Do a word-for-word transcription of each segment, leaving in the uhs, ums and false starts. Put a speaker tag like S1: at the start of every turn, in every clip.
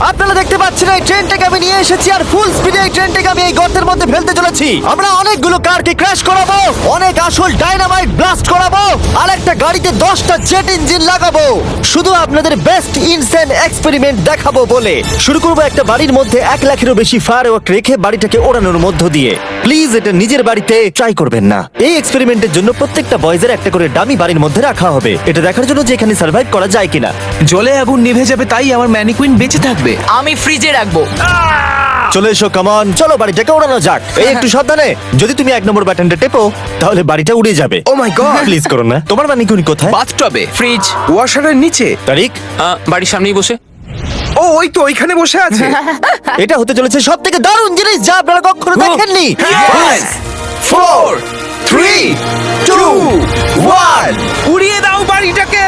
S1: আপনারা দেখতে পাচ্ছেন এই ট্রেনটাকে আমি নিয়ে এসেছি আর ফুল স্পিডে এই ট্রেনটাকে আমি এই গর্তের মধ্যে ফেলতে চলেছি। আমরা অনেকগুলো কারকে ক্র্যাশ করাবো, অনেক আসল ডাইনামাইট ব্লাস্ট করাবো, আর একটা গাড়িতে দশটা জেট ইঞ্জিন লাগাবো, শুধু আপনাদের বেস্ট ইনসেন এক্সপেরিমেন্ট দেখাবো বলে। শুরু করবো একটা বাড়ির মধ্যে এক লাখেরও বেশি ফায়ারওয়ার্ক রেখে বাড়িটাকে ওড়ানোর মধ্য দিয়ে। প্লিজ এটা নিজের বাড়িতে ট্রাই করবেন না। এই এক্সপেরিমেন্টের জন্য প্রত্যেকটা বয়েজের একটা করে ডামি বাড়ির মধ্যে রাখা হবে, এটা দেখার জন্য যে এখানে সার্ভাইভ করা যায় কিনা।
S2: জলে আগুন নিভে যাবে, তাই আমার ম্যানিকুইন বেঁচে থাকবে।
S3: আমি ফ্রিজে রাখবো।
S1: চলে এসো, কামন, চলো বাড়িটাকে ওড়ানো যাক। এই একটু সাবধানে, যদি তুমি এক নম্বর বাটনটা টেপো তাহলে বাড়িটা উড়ে যাবে।
S2: ও মাই গড!
S1: প্লিজ করো না। তোমার ম্যানিকুইন কোথায়?
S2: বাথটবে,
S3: ফ্রিজ
S2: ওয়াশারের নিচে।
S1: তারিক,
S3: আহ, বাড়ির সামনেই বসে।
S2: ও ওই তো ওইখানে বসে আছে।
S1: এটা হতে চলেছে সব থেকে দারুণ জিনিস যা আপনারা কখনো দেখেননি।
S2: Five, four, three, two, one, উড়িয়ে দাও বাড়িটাকে।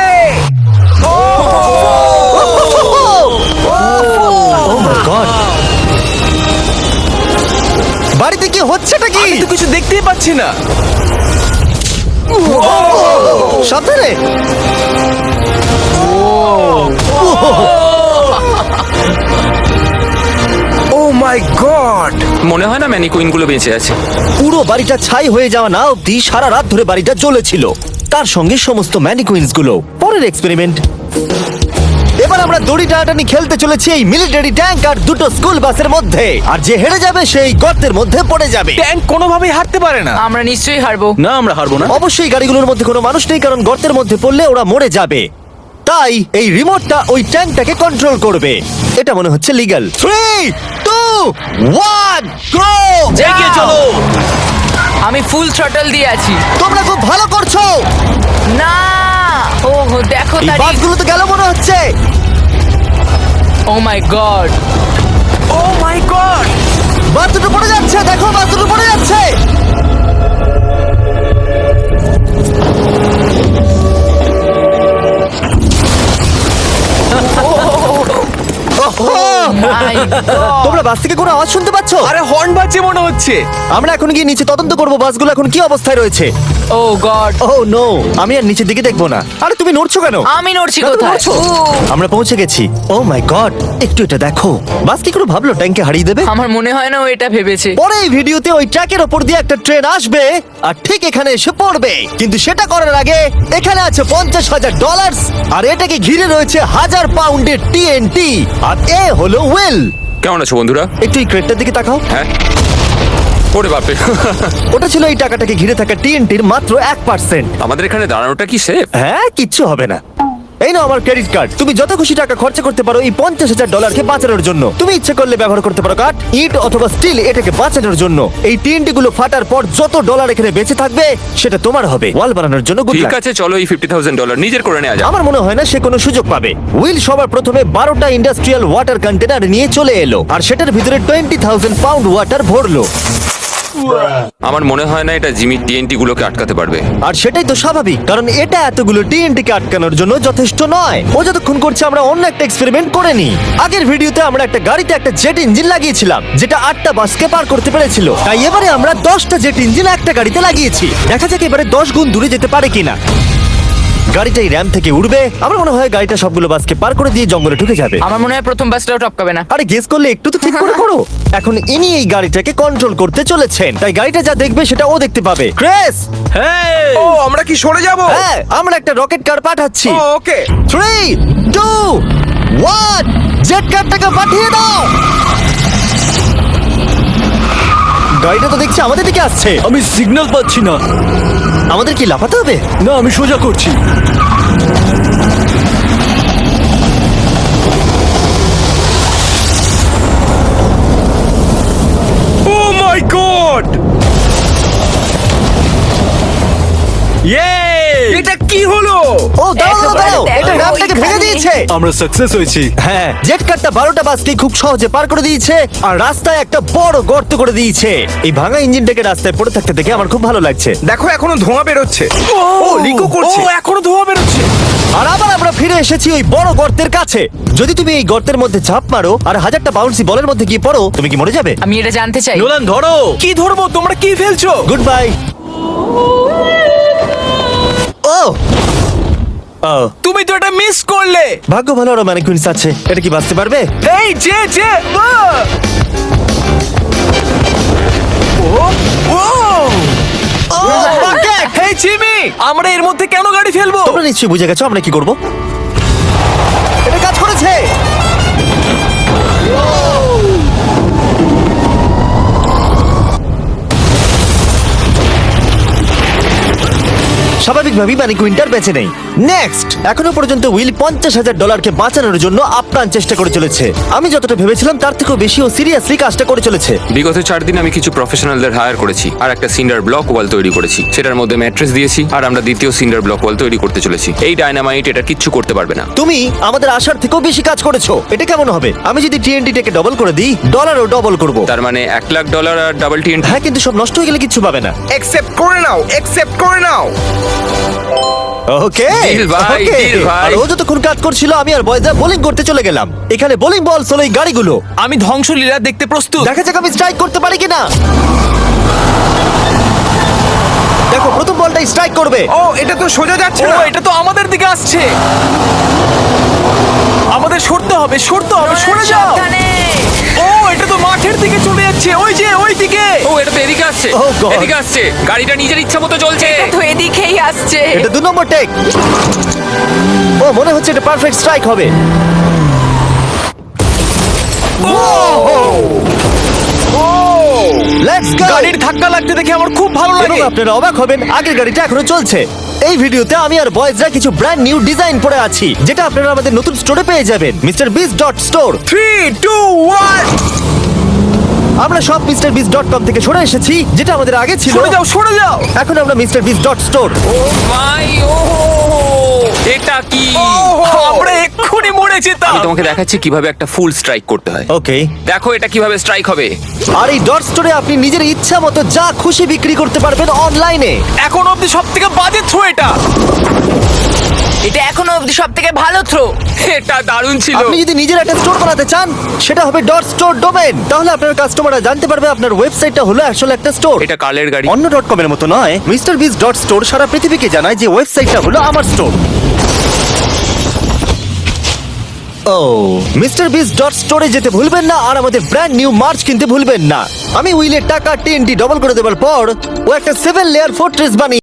S1: Oh my God! বাড়িতে কি হচ্ছেটা কি?
S2: আমি তো কিছু দেখতেই পাচ্ছি না।
S1: সাবধানে।
S2: Oh my god!
S3: মনে হয় না ম্যানিকুইন গুলো বেঁচে আছে।
S1: পুরো বাড়িটা ছাই হয়ে যাওয়া না অব্দি সারা রাত ধরে বাড়িটা জ্বলেছিল, তার সঙ্গে সমস্ত ম্যানিকুইন্স গুলো। পরের এক্সপেরিমেন্ট, এবার আমরা দড়ি টানাটানি খেলতে চলেছি এই মিলিটারি ট্যাঙ্ক আর দুটো স্কুল বাসের মধ্যে, আর যে হেরে যাবে সেই গর্তের মধ্যে পড়ে যাবে।
S2: ট্যাঙ্ক কোনোভাবেই হারতে পারে না।
S3: আমরা নিশ্চয়ই হারবো।
S2: না, আমরা হারবো না।
S1: অবশ্যই গাড়িগুলোর মধ্যে কোনো মানুষ নেই, কারণ গর্তের মধ্যে পড়লে ওরা মরে যাবে। তাই এই রিমোটটা ওই ট্যাঙ্কটাকে কন্ট্রোল করবে। এটা মনে হচ্ছে legal. Three two one go!
S3: এগিয়ে চলো। আমি ফুল থ্রটল দিয়ে আছি।
S1: তোমরা খুব ভালো করছো।
S3: না, ও দেখো
S1: এই
S3: তারিখ।
S1: বাসগুলো তো গেল মনে হচ্ছে।
S3: ও my god!
S2: O my god!
S1: বাস দুটো পড়ে যাচ্ছে, দেখো বাস দুটো পড়ে যাচ্ছে।
S3: My god!
S1: তোমরা বাস থেকে কোনো আওয়াজ শুনতে পাচ্ছ?
S2: আরে হর্ন বাজছে মনে হচ্ছে।
S1: আমরা এখন গিয়ে নিচে তদন্ত করবো বাসগুলো এখন কি অবস্থায় রয়েছে।
S3: ও গড!
S1: ও নো, আমি আর নিচের দিকে দেখবো না। আরে তুমি নড়ছো কেন?
S3: আমি নড়ছি
S1: না, তুমি
S3: কোথায়?
S1: নড়ছো।
S3: ও,
S1: আমরা পৌঁছে গেছি। ও মাই গড, একটু এটা দেখো। বাস কি করে ভাবলো ট্যাঙ্কে হারিয়ে দেবে?
S3: আমার মনে হয় না ও এটা ভেবেছে।
S1: পরে এই ভিডিওতে ওই ট্র্যাকের ওপর দিয়ে একটা ট্রেন আসবে আর ঠিক এখানে এসে পড়বে, কিন্তু সেটা করার আগে এখানে আছে পঞ্চাশ হাজার ডলার আর এটাকে ঘিরে রয়েছে হাজার পাউন্ডের টিএনটি। আর এ হলো উইল।
S3: কেমন আছো বন্ধুরা?
S1: একটু এই ক্রেটটার দিকে তাকাও।
S3: হ্যাঁ। ওরে বাপরে!
S1: ওটা ছিল এই টাকাটাকে ঘিরে থাকা টিএনটির মাত্র এক পার্সেন্ট।
S3: আমাদের এখানে দাঁড়ানোটা কি সেফ?
S1: হ্যাঁ, কিচ্ছু হবে না। এই নাও আমার ক্রেডিট কার্ড, তুমি যত খুশি টাকা খরচা করতে পারো এই পঞ্চাশ হাজার ডলারকে বাঁচানোর জন্য। তুমি ইচ্ছে করলে ব্যবহার করতে পারো কাঠ, ইট অথবা স্টিল এটাকে বাঁচানোর জন্য। এই টিএনটি গুলো ফাটার পর যত ডলার এখানে বেঁচে থাকবে সেটা তোমার হবে। ওয়াল বানানোর জন্য good
S3: ঠিক
S1: luck।
S3: আছে, চলো এই ফিফটি থাউজেন্ড ডলার নিজের করে নেওয়া যাক।
S1: আমার মনে হয় না সে কোনো সুযোগ পাবে। উইল সবার প্রথমে বারোটা ইন্ডাস্ট্রিয়াল ওয়াটার কন্টেনার নিয়ে চলে এলো আর সেটার ভিতরে টোয়েন্টি থাউজেন্ড পাউন্ড ওয়াটার ভরলো।
S3: আমার মনে হয় না এটা জিমি টিএনটি গুলোকে আটকাতে পারবে।
S1: আর সেটাই তো স্বাভাবিক, কারণ এটা এতগুলো টিএনটি কে আটকানোর জন্য যথেষ্ট নয়। ও যতক্ষণ করছে আমরা অন্য একটা এক্সপেরিমেন্ট করে নি। আগের ভিডিওতে আমরা একটা গাড়িতে একটা জেট ইঞ্জিন লাগিয়েছিলাম যেটা আটটা বাসকে পার করতে পেরেছিল, তাই এবারে আমরা দশটা জেট ইঞ্জিন একটা গাড়িতে লাগিয়েছি। দেখা যাক এবারে দশ গুণ দূরে যেতে পারে কিনা। গাড়িটা এই র্যাম থেকে উঠবে, আমার মনে হয় গাড়িটা সবগুলো বাসকে পার করে দিয়ে জঙ্গলে ঢুকে যাবে।
S3: আমার মনে হয় প্রথম বাসটাও টপকাবে না।
S1: আরে গেস করলে একটু তো ঠিক করে করো। এখন ইনি এই গাড়িটাকে কন্ট্রোল করতে চলেছেন, তাই গাড়িটা যা দেখবে সেটা ও দেখতে পাবে। ক্রেস,
S2: ও আমরা কি সরে যাব?
S1: হ্যাঁ, আমরা একটা রকেট কার পাঠাচ্ছি।
S2: Oh okay.
S1: Three two one, jet কারটাকে পাঠিয়ে দাও। গাড়িটা তো দেখছি আমাদের দিকে আসছে।
S4: আমি সিগন্যাল পাচ্ছি না।
S1: আমাদের কি লাফাতে হবে?
S4: না, আমি সোজা করছি।
S2: Oh my god!
S4: ইয়ে!
S2: এটা কি হলো?
S1: ও দাঁড়াও দাঁড়াও দাঁড়াও,
S3: একেবারে
S1: এটা
S3: দেখো,
S1: র্যামটাকে ভেঙে
S3: ওইখানে।
S1: দিয়েছে।
S4: আমরা সাকসেস হয়েছি।
S1: হ্যাঁ, জেট কারটা বারোটা বাসকে খুব সহজে পার করে দিয়েছে আর রাস্তায় একটা বড় গর্ত করে দিয়েছে। এই ভাঙা ইঞ্জিনটাকে রাস্তায় পড়ে থাকতে দেখে আমার খুব ভালো লাগছে।
S2: দেখো এখনো ধোঁয়া বেরোচ্ছে। ও লিকো করছে।
S4: ও এখনো ধোঁয়া বেরোচ্ছে।
S1: আর আবার আমরা ফিরে এসেছি ওই বড় গর্তের কাছে। যদি তুমি এই গর্তের মধ্যে ঝাঁপ মারো আর হাজারটা বাউন্সি বলের মধ্যে গিয়ে পড়ো, তুমি কি মরে যাবে?
S3: আমি এটা জানতে চাই।
S4: নোলান ধরো।
S2: কি ধরবো? তোমরা কি ফেলছো?
S1: Good bye. ও ও,
S2: তুমি তো এটা মিস করলে।
S1: ভাগ্য ভালো আরো ম্যানিকুইন্স আছে। এটা কি বাঁচতে পারবে?
S2: এই যে যে আহ! ও ও
S1: Bucket!
S2: হেই জিমি, আমরা এর মধ্যে কেন গাড়ি ফেলবো?
S1: তোমরা নিশ্চয়ই বুঝে গেছো আমরা কি করব। এটা কাজ করেছে। স্বাভাবিকভাবেই মানে কুইন্টার বেঁচে নেই। নেক্সট, এখনো পর্যন্ত উইল পঞ্চাশ হাজার ডলারকে বাঁচানোর জন্য আপ্রাণ চেষ্টা করে চলেছে। আমি যতটা ভেবেছিলাম তার থেকেও বেশি ও সিরিয়াসলি কাজটা করে চলেছে।
S3: বিগত চার দিন আমি কিছু প্রফেশনালদের হায়ার করেছি আর একটা সিন্ডার ব্লক ওয়াল তৈরি করেছি। সেটার মধ্যে ম্যাট্রেস দিয়েছি আর আমরা দ্বিতীয় সিন্ডার ব্লক ওয়াল তৈরি করতে চলেছি। এই ডায়নামাইট এটা কিচ্ছু করতে পারবে না।
S1: তুমি আমাদের আশার থেকেও বেশি কাজ করেছো। এটা কেমন হবে? আমি যদি টিএনটিটাকে ডবল করে দিই, ডলারও ডবল করব।
S3: তার মানে এক লাখ ডলার আর ডাবল টিএনটি।
S1: হ্যাঁ, কিন্তু সব নষ্ট হয়ে গেলে কিচ্ছু পাবে না।
S2: অ্যাকসেপ্ট করে নাও, অ্যাকসেপ্ট করে নাও।
S1: ওকে
S3: Deal ভাই,
S1: ওকে।
S3: deal ভাই।
S1: আর ও যতক্ষণ কাজ করছিল আমি আর বয়দা বোলিং করতে চলে গেলাম। এখানে বোলিং বল হলো এই গাড়িগুলো।
S2: আমি ধ্বংসলীলা দেখতে প্রস্তুত।
S1: দেখা যাক আমি স্ট্রাইক করতে পারি কিনা। দেখো, প্রথম বলটাই স্ট্রাইক করবে।
S2: ও এটা তো সোজা যাচ্ছে না। এটা তো আমাদের দিকে আসছে। আমাদের সরতে হবে, সরতে হবে, সরে যাও। ও এটা তো মাঠের দিকে চলে যাচ্ছে। ওই যে ওই দিকে।
S3: ও এটা তো এদিকে আসছে,
S1: Oh God!
S3: এদিকে আসছে। গাড়িটা নিজের ইচ্ছা মতো চলছে।
S5: তো এদিকেই আসছে।
S1: এটা দু নম্বর টেক। ও মনে হচ্ছে এটা পারফেক্ট স্ট্রাইক হবে। Let's go.
S2: গাড়ির ধাক্কা লাগতে দেখে আমার খুব ভালো
S1: এবং
S2: লাগে।
S1: আপনারা অবাক হবেন, আগের গাড়িটা এখনো চলছে। এই ভিডিওতে আমি আর বয়েজরা কিছু ব্র্যান্ড নিউ ডিজাইন পরে আছি, যেটা আপনারা আমাদের নতুন স্টোরে পেয়ে যাবেন, mister Bis dot store.
S2: Three two one.
S1: আমরা সব মিস্টার বিস ডট কম থেকে সরে এসেছি, যেটা আমাদের আগে ছিল।
S2: সরে যাও, সরে যাও।
S1: এখন আমরা মিস্টার বিস ডট স্টোর।
S3: ও মাই ও এটা কি?
S2: আমরা এক্ষুনি মরে যেতাম।
S3: আমি তোমাকে দেখাচ্ছি কিভাবে একটা ফুল স্ট্রাইক করতে হয়।
S1: ওকে,
S3: দেখো এটা কিভাবে স্ট্রাইক হবে।
S1: আর এই ডট স্টোরে আপনি নিজের ইচ্ছা মতো যা খুশি বিক্রি করতে পারবেন অনলাইনে।
S2: এখন অব্দি সব থেকে বাজে থ্রো এটা।
S5: এটা এখনো অবধি সব থেকে ভালো থ্রো।
S3: এটা দারুণ ছিল।
S1: আপনি যদি নিজের একটা স্টোর বানাতে চান, সেটা হবে ডট স্টোর ডোমেন। তাহলে আপনার কাস্টমাররা জানতে পারবে আপনার ওয়েবসাইটটা হলো আসলে একটা স্টোর।
S3: এটা কালের গাড়ি।
S1: অন্য ডট কম এর মতো নয়। মিস্টার বিস ডট স্টোর সারা পৃথিবীকে জানায় যে ওয়েবসাইটটা হলো আমার স্টোর। ও মিস্টার বিস ডট স্টোরে যেতে ভুলবেন না, আর আমাদের ব্র্যান্ড নিউ মার্চ কিনতে ভুলবেন না। আমি উইলের টাকা টিএনটি ডবল করে দেওয়ার পর ও একটা সেভেন লেয়ার ফোর্ট্রেস বানিয়ে